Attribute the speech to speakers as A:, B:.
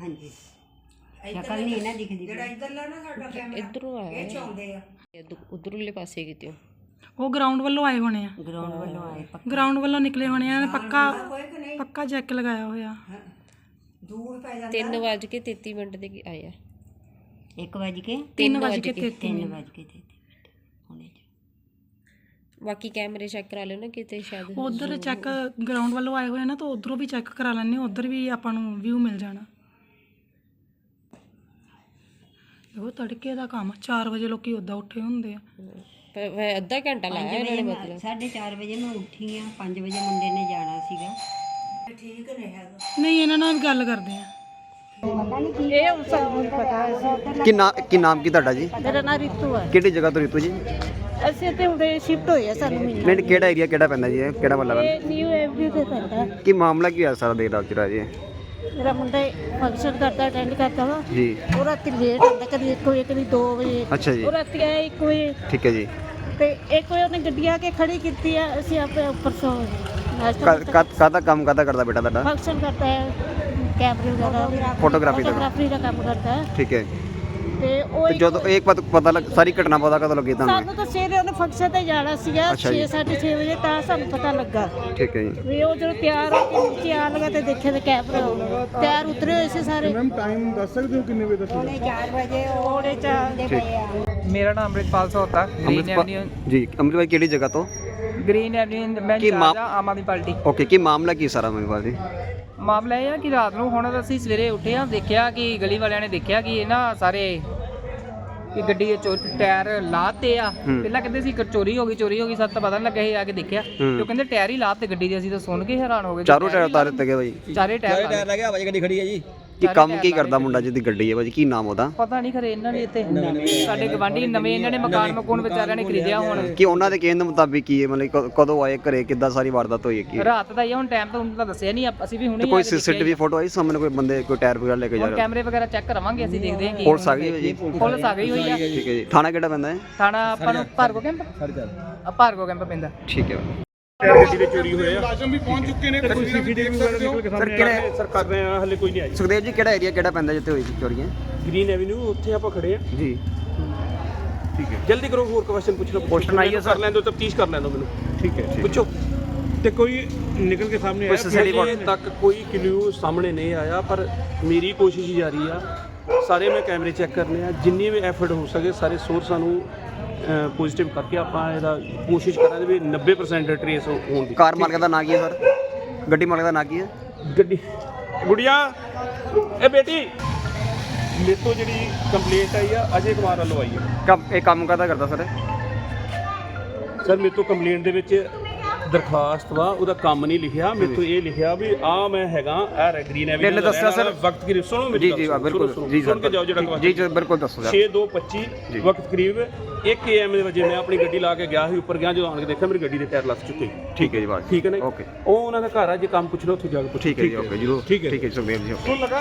A: ਹਾਂਜੀ ਸ਼ਕਲ ਨਹੀਂ ਨਾ ਦਿਖਦੀ
B: ਜਿਹੜਾ ਇੱਧਰਲਾ ਨਾ ਸਾਡਾ ਕੈਮਰਾ
C: ਇੱਧਰੋਂ ਆਇਆ
B: ਇਹ ਚ ਆਉਂਦੇ ਆ
C: ਉਧਰਲੇ ਪਾਸੇ ਕਿਤੇ
D: ਉਹ ਗਰਾਊਂਡ ਵੱਲੋਂ ਆਏ ਹੋਣੇ ਆ,
A: ਗਰਾਊਂਡ ਵੱਲੋਂ ਆਏ
D: ਗਰਾਊਂਡ ਵੱਲੋਂ ਨਿਕਲੇ ਹੋਣੇ ਆ। ਪੱਕਾ ਜੈਕ ਲਗਾਇਆ ਹੋਇਆ।
B: ਦੂਰ ਪੈ ਜਾਂਦਾ
C: 3:33 ਦੇ ਆਇਆ
A: 1:03 ਹੁਣੇ
C: ਬਾਕੀ ਕੈਮਰੇ ਚੈੱਕ ਕਰਾ ਲਿਓ ਨਾ ਕਿਤੇ ਸ਼ਾਇਦ
D: ਉਧਰ ਚੈੱਕ ਗਰਾਊਂਡ ਵੱਲੋਂ ਆਏ ਹੋਏ ਨਾ, ਤਾਂ ਉਧਰੋਂ ਵੀ ਚੈੱਕ ਕਰਾ ਲੈਣੇ, ਉਧਰ ਵੀ ਆਪਾਂ ਨੂੰ ਵਿਊ ਮਿਲ ਜਾਣਾ। ਉਹ ਤੜਕੇ ਦਾ ਕੰਮ 4 ਵਜੇ ਲੋਕੀ ਉੱਦਾਂ ਉੱਠੇ ਹੁੰਦੇ ਆ।
C: ਪਰ ਅੱਧਾ ਘੰਟਾ ਲਾਇਆ ਇਹਨਾਂ ਨੇ ਮਤਲਬ
A: 4:30 ਵਜੇ ਮੈਂ ਉੱਠੀ ਆ, 5 ਵਜੇ ਮੁੰਡੇ ਨੇ ਜਾਣਾ ਸੀਗਾ।
B: ਠੀਕ ਨਹੀਂ ਹੈਗਾ
D: ਨਹੀਂ, ਇਹਨਾਂ ਨਾਲ ਗੱਲ ਕਰਦੇ ਆ।
E: ਕੀ ਨਾਮ ਕੀ ਤੁਹਾਡਾ ਜੀ?
F: ਮੇਰਾ ਨਾਮ ਰਿਤੂ ਹੈ।
E: ਕਿਹੜੀ ਜਗ੍ਹਾ ਤੋਂ ਰਿਤੂ ਜੀ?
F: ਅਸੀਂ ਤੇ ਹੁਣੇ ਸ਼ਿਫਟ ਹੋਏ ਆ, ਸਾਨੂੰ ਮਹੀਨਾ
E: ਪਿੰਡ ਕਿਹੜਾ ਏਰੀਆ ਕਿਹੜਾ ਪੈਂਦਾ ਜੀ? ਕਿਹੜਾ ਮਤਲਬ
F: ਇਹ ਨਿਊ ਐਵਰੀ ਤੇ ਪੈਂਦਾ।
E: ਕੀ ਮਾਮਲਾ ਕੀ ਹੋਇਆ ਸਾਰਾ ਦੇਰ ਰਾਤ ਚ ਜੀ?
F: ਮੇਰਾ ਮੁੰਡਾ ਫੰਕਸ਼ਨ ਕਰਦਾ, ਅਟੈਂਡ ਕਰਦਾ ਵਾ।
E: ਜੀ
F: ਉਹ ਰਾਤੀ ਲੇਟ ਆਉਂਦਾ, ਕਦੀ 1 ਵਜੇ ਕਦੀ 2 ਵਜੇ।
E: ਅੱਛਾ ਜੀ,
F: ਉਹ ਰਾਤੀ ਆਇਆ 1 ਵਜੇ
E: ਠੀਕ ਹੈ ਜੀ।
F: ਤੇ 1 ਵਜੇ ਉਹਨੇ ਗੱਡੀ ਆ ਕੇ ਖੜੀ ਕੀਤੀ ਆ, ਅਸੀਂ ਆਪੇ ਉੱਪਰ ਸੋ ਨਾਸ਼ਤਾ
E: ਕਾਹਦਾ ਕੰਮ ਕਰਦਾ ਬੇਟਾ ਤੁਹਾਡਾ?
F: ਫੰਕਸ਼ਨ ਕਰਦਾ ਹੈ, ਕੈਮਰੇ ਵਗੈਰਾ
E: ਫੋਟੋਗ੍ਰਾਫੀ ਦਾ?
F: ਫੋਟੋਗ੍ਰਾਫੀ ਦਾ ਕੰਮ ਕਰਦਾ ਹੈ।
E: ਠੀਕ ਹੈ।
F: ਤੇ ਉਹ
E: ਜਦੋਂ ਇੱਕ ਪਤਾ ਲੱਗ ਸਾਰੀ ਘਟਨਾ ਪਤਾ ਕਦੋਂ ਲੱਗੀ ਤੁਹਾਨੂੰ?
F: ਸਾਨੂੰ ਤਾਂ ਸਵੇਰੇ ਉਹਨੇ ਫੰਕਸ਼ਨ ਤੇ ਜਾਣਾ ਸੀਗਾ 6:30 ਵਜੇ, ਤਾਂ ਸਾਨੂੰ ਪਤਾ ਲੱਗਾ।
E: ਠੀਕ ਹੈ ਜੀ।
F: ਵੀ ਉਹ ਜਦੋਂ ਤਿਆਰ ਹੋ ਕੇ ਨੀਚੇ ਆਣ ਲੱਗਾ ਤੇ ਦੇਖਿਆ ਤੇ ਕੈਮਰਾ ਤਿਆਰ ਉਤਰੇ ਹੋਏ ਸੀ ਸਾਰੇ।
G: ਮੈਮ ਟਾਈਮ ਦੱਸ ਸਕਦੇ ਹੋ ਕਿੰਨੇ ਵਜੇ ਦਾ ਸੀ?
A: 4 ਵਜੇ
F: ਉਹਦੇ ਚ
H: ਮੇਰਾ ਨਾਮ ਅੰਮ੍ਰਿਤਪਾਲ ਸੋਤਾ, ਗ੍ਰੀਨ ਐਵਨਿਊ।
E: ਜੀ ਅੰਮ੍ਰਿਤਪਾਲ ਕਿਹੜੀ ਜਗ੍ਹਾ ਤੋਂ?
H: ਗ੍ਰੀਨ ਐਵਨਿਊ ਮੈਂ ਇੰਚਾਰਜ ਹਾਂ ਆਮ ਆਦਮੀ ਪਾਰਟੀ।
E: ਓਕੇ, ਕੀ ਮਾਮਲਾ ਕੀ ਸਾਰਾ ਅੰਮ੍ਰਿਤਪਾਲ ਜੀ?
H: ਮਾਮਲਾ ਇਹ ਆ ਕਿ ਰਾਤ ਨੂੰ ਹੁਣ ਅਸੀਂ ਸਵੇਰੇ ਉੱਠੇ ਆ, ਦੇਖਿਆ ਕਿ ਗਲੀ ਵਾਲਿਆਂ ਨੇ ਦੇਖਿਆ ਕਿ ਇਹ ਨਾ ਸਾਰੇ ਕਿ ਗੱਡੀ ਦੇ ਟਾਇਰ ਲਾਤੇ ਆ। ਪਹਿਲਾਂ ਕਹਿੰਦੇ ਸੀ ਚੋਰੀ ਹੋ ਗਈ ਸਾਨੂੰ ਤਾਂ ਪਤਾ ਨਹੀਂ ਲੱਗਿਆ। ਇਹ ਆ ਕੇ ਦੇਖਿਆ ਤੇ ਉਹ ਕਹਿੰਦੇ ਟਾਇਰ ਹੀ ਲਾਤੇ ਗੱਡੀ ਦੇ। ਅਸੀਂ ਤਾਂ ਸੁਣ ਕੇ ਹੈਰਾਨ ਹੋ ਗਏ।
E: ਚਾਰੋਂ ਟਾਇਰ ਉਤਾਰ ਦਿੱਤੇ ਗਏ ਭਾਈ?
H: ਚਾਰੇ ਟਾਇਰ
G: ਲੈ ਗਿਆ, ਗੱਡੀ ਖੜੀ ਹੈ ਜੀ।
E: ਕੀ ਕੰਮ ਕੀ ਕਰਦਾ ਮੁੰਡਾ ਜਿਹਦੀ ਗੱਡੀ ਹੈ ਭਾਜੀ? ਕੀ ਨਾਮ ਉਹਦਾ?
H: ਪਤਾ ਨਹੀਂ ਖਰੇ ਇਹਨਾਂ ਨੇ ਇੱਥੇ ਸਾਡੇ ਗਵਾਂਢੀ ਨਵੇਂ ਇਹਨਾਂ ਨੇ ਮਕਾਨ ਵਿਚਾਰਿਆਂ ਨੇ ਖਰੀਦਿਆ ਹੁਣ।
E: ਕਿ ਉਹਨਾਂ ਦੇ ਕਹਿਣ ਦੇ ਮੁਤਾਬਿਕ ਕੀ ਹੈ, ਮਤਲਬ ਕਦੋਂ ਆਏ ਘਰੇ, ਕਿੱਦਾਂ ਸਾਰੀ ਵਾਰਦਾਤ ਹੋਈ ਹੈ ਕੀ?
H: ਰਾਤ ਦਾ ਹੀ ਹੁਣ ਟਾਈਮ ਤਾਂ ਉਹਨਾਂ ਦਾ ਦੱਸਿਆ ਨਹੀਂ, ਅਸੀਂ ਵੀ ਹੁਣੇ
E: ਕੋਈ ਸੀਸੀਟੀਵੀ ਫੋਟੋ ਆਈ ਸਾਹਮਣੇ? ਕੋਈ ਬੰਦੇ ਕੋਈ ਟਾਇਰ ਵਗੈਰਾ ਲੈ ਕੇ ਜਾ
H: ਹੁਣ
E: ਰਿਹਾ?
H: ਕੈਮਰੇ ਵਗੈਰਾ ਚੈੱਕ ਕਰਾਵਾਂਗੇ, ਅਸੀਂ ਦੇਖਦੇ ਹਾਂ ਕੀ
E: ਪੁਲਿਸ ਆ ਗਈ ਹੈ ਜੀ?
H: ਪੁਲਿਸ ਆ ਗਈ ਹੋਈ ਆ।
E: ਠੀਕ ਹੈ ਜੀ। ਥਾਣਾ ਕਿਹੜਾ ਪੈਂਦਾ ਹੈ?
H: ਥਾਣਾ ਆਪਾਂ ਨੂੰ ਭਾਰਗੋ ਕੈਂਪ ਭਾਰਗੋ ਕੈਂਪ ਪੈਂਦਾ।
E: ਠੀਕ ਹੈ।
G: ਗੱਡੀ ਦੇ ਚੋਰੀ ਹੋਏ ਆ, ਲਾਜ਼ਮ ਵੀ ਪਹੁੰਚ ਚੁੱਕੇ ਨੇ। ਕੋਈ ਸੀਸੀਟੀਵੀ ਵਗੈਰਾ ਨਿਕਲ ਕੇ ਸਾਹਮਣੇ ਆਇਆ ਸਰ, ਕਰ ਰਹੇ ਆ, ਹਲੇ ਕੋਈ ਨਹੀਂ ਆਈ।
E: ਸੁਖਦੇਵ ਜੀ ਕਿਹੜਾ ਏਰੀਆ ਕਿਹੜਾ ਪੈਂਦਾ ਜਿੱਥੇ ਹੋਈ ਸੀ ਚੋਰੀਆਂ?
G: ਗ੍ਰੀਨ ਐਵਨਿਊ, ਉੱਥੇ ਆਪਾਂ ਖੜੇ ਆ
E: ਜੀ
G: ਠੀਕ ਹੈ। ਜਲਦੀ ਕਰੋ, ਹੋਰ ਕੁਐਸਚਨ ਪੁੱਛ ਲਓ।
E: ਕੁਐਸਚਨ ਆਈ ਹੈ ਸਰ?
G: ਕਰ ਲੈਣ ਦਿਓ, ਤਫਤੀਸ਼ ਕਰ ਲੈਣ ਦਿਓ ਮੈਨੂੰ। ਠੀਕ ਹੈ, ਪੁੱਛੋ।
I: ਤੇ ਕੋਈ ਨਿਕਲ ਕੇ ਸਾਹਮਣੇ ਆਇਆ?
G: ਹਜੇ ਤੱਕ ਕੋਈ ਕਲੂ ਸਾਹਮਣੇ ਨਹੀਂ ਆਇਆ, ਪਰ ਮੇਰੀ ਕੋਸ਼ਿਸ਼ ਜਾਰੀ ਆ। ਸਾਰੇ ਮੈਂ ਕੈਮਰੇ ਚੈੱਕ ਕਰਨੇ ਆ, ਜਿੰਨੀ ਵੀ ਐਫਰਟ ਹੋ ਸਕੇ ਸਾਰੇ ਸੋਰਸਾਂ ਨੂੰ ਪੋਜ਼ਿਟਿਵ ਕਰਕੇ ਆਪਾਂ ਇਹਦਾ ਕੋਸ਼ਿਸ਼ ਕਰਾਂਗੇ ਵੀ 90% ਟਰੇਸ ਹੋਣ ਦੀ।
E: ਕਾਰ ਮਾਲਕ ਦਾ ਨਾਂ ਕੀ ਹੈ ਸਰ? ਗੱਡੀ ਮਾਲਕ ਦਾ ਨਾਂ ਕੀ ਹੈ?
G: ਗੱਡੀ ਗੁੜੀਆ ਇਹ ਬੇਟੀ ਮੇਰੇ ਤੋਂ ਜਿਹੜੀ ਕੰਪਲੇਂਟ ਆਈ ਆ ਅਜੇ ਕੁਮਾਰ ਵੱਲੋਂ ਆਈ ਆ।
E: ਇਹ ਕੰਮ ਕਰਦਾ ਸਰ?
G: ਸਰ ਮੇਰੇ ਤੋਂ ਕੰਪਲੇਂਟ ਦੇ ਵਿੱਚ ਦਰਖਾਸਤ ਵਾ, ਉਹਦਾ ਕੰਮ ਨਹੀਂ ਲਿਖਿਆ। ਮੇਰੇ ਤੋਂ ਇਹ ਲਿਖਿਆ ਵੀ ਆ ਮੈਂ ਹੈਗਾ ਗ੍ਰੀਨ ਐਵਨਿਊ
E: ਪਹਿਲੇ ਦੱਸਿਆ ਸਰ
G: ਵਕਤ ਕਰੀਬ ਸੁਣੋ ਮੇਰੀ
E: ਜੀ ਬਿਲਕੁਲ ਜੀ
G: ਸੁਣ ਕੇ ਜਾਓ ਜਿਹੜਾ
E: ਜੀ ਬਿਲਕੁਲ ਦੱਸੋ ਸਰ।
G: 6:25 ਵਕਤ ਕਰੀਬ 1 AM ਦੇ ਵਜੇ ਮੈਂ ਆਪਣੀ ਗੱਡੀ ਲਾ ਕੇ ਗਿਆ ਸੀ ਉੱਪਰ ਗਿਆ, ਜਦੋਂ ਆਣ ਕੇ ਦੇਖਿਆ ਮੇਰੀ ਗੱਡੀ ਦੇ ਟਾਇਰ ਲੱਥ ਚੁੱਕੇ।
E: ਠੀਕ ਹੈ ਜੀ ਬਾਤ
G: ਠੀਕ ਹੈ ਨਾ?
E: ਓਕੇ।
G: ਉਹ ਉਹਨਾਂ ਦਾ ਘਰ ਆ, ਜੇ ਕੰਮ ਪੁੱਛਣਾ ਉੱਥੇ ਜਾ ਕੇ ਪੁੱਛੋ।
E: ਠੀਕ ਹੈ ਜੀ ਓਕੇ ਜੀ। ਠੀਕ ਹੈ ਸੁਖਦੇਵ ਜੀ।